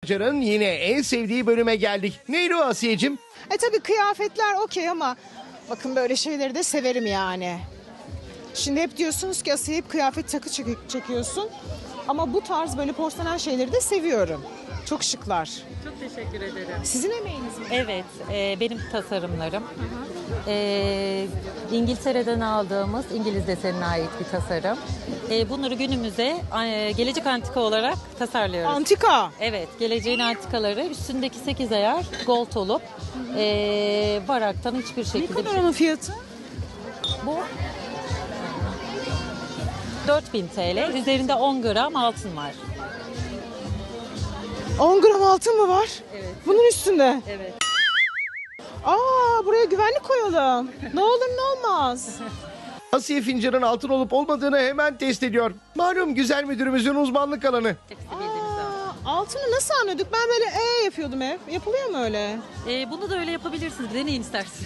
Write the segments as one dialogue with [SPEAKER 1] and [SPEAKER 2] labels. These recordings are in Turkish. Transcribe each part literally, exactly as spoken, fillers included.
[SPEAKER 1] Can'ın yine en sevdiği bölüme geldik. Neydi o Asiye'cim?
[SPEAKER 2] E tabii kıyafetler okey ama bakın böyle şeyleri de severim yani. Şimdi hep diyorsunuz ki Asiye hep kıyafet takı çek- çekiyorsun. Ama bu tarz böyle porselen şeyleri de seviyorum. Çok şıklar.
[SPEAKER 3] Çok teşekkür ederim.
[SPEAKER 2] Sizin emeğiniz mi?
[SPEAKER 3] Evet, e, benim tasarımlarım. E, İngiltere'den aldığımız İngiliz desenine ait bir tasarım. E, bunları günümüze e, gelecek antika olarak tasarlıyoruz.
[SPEAKER 2] Antika.
[SPEAKER 3] Evet, geleceğin antikaları üstündeki sekiz ayar gold olup e, varaktan hiçbir
[SPEAKER 2] Ne
[SPEAKER 3] şekilde...
[SPEAKER 2] kadar onun fiyatı?
[SPEAKER 3] Bu dört bin T L. Üzerinde on gram altın var.
[SPEAKER 2] on gram altın mı var?
[SPEAKER 3] Evet.
[SPEAKER 2] Bunun üstünde.
[SPEAKER 3] Evet.
[SPEAKER 2] Aa, buraya güvenlik koyalım. Ne olur ne olmaz.
[SPEAKER 1] Asiye fincanın altın olup olmadığını hemen test ediyor. Malum güzel müdürümüzün uzmanlık alanı.
[SPEAKER 3] Hepsi bildiğimiz
[SPEAKER 2] Aa, altını nasıl anladık? Ben böyle e yapıyordum hep. Yapılıyor mu öyle?
[SPEAKER 3] Ee, bunu da öyle yapabilirsiniz. Deneyin istersen.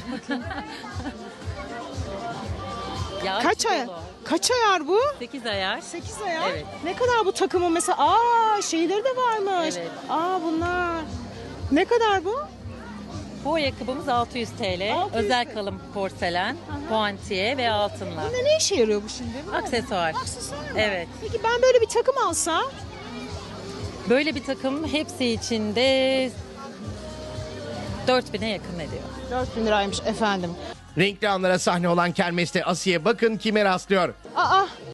[SPEAKER 3] Ya,
[SPEAKER 2] Kaç ayar? Kaç ayar bu?
[SPEAKER 3] sekiz ayar.
[SPEAKER 2] sekiz ayar.
[SPEAKER 3] Evet.
[SPEAKER 2] Ne kadar bu takımın mesela? Aa, şeyleri de varmış.
[SPEAKER 3] Evet.
[SPEAKER 2] Aa, bunlar. Ne kadar bu?
[SPEAKER 3] Bu ayakkabımız altı yüz T L.
[SPEAKER 2] altı yüz
[SPEAKER 3] Özel
[SPEAKER 2] T L.
[SPEAKER 3] kalın porselen, puantiye ve altınla.
[SPEAKER 2] Bunda ne işe yarıyor bu şimdi? Bu?
[SPEAKER 3] Aksesuar.
[SPEAKER 2] Aksesuar mı?
[SPEAKER 3] Evet.
[SPEAKER 2] Peki ben böyle bir takım alsam?
[SPEAKER 3] Böyle bir takım hepsi içinde dört bine yakın ediyor.
[SPEAKER 2] dört bin liraymış efendim.
[SPEAKER 1] Renkli anlara sahne olan kermeste Asiye bakın kime rastlıyor.
[SPEAKER 2] Aa,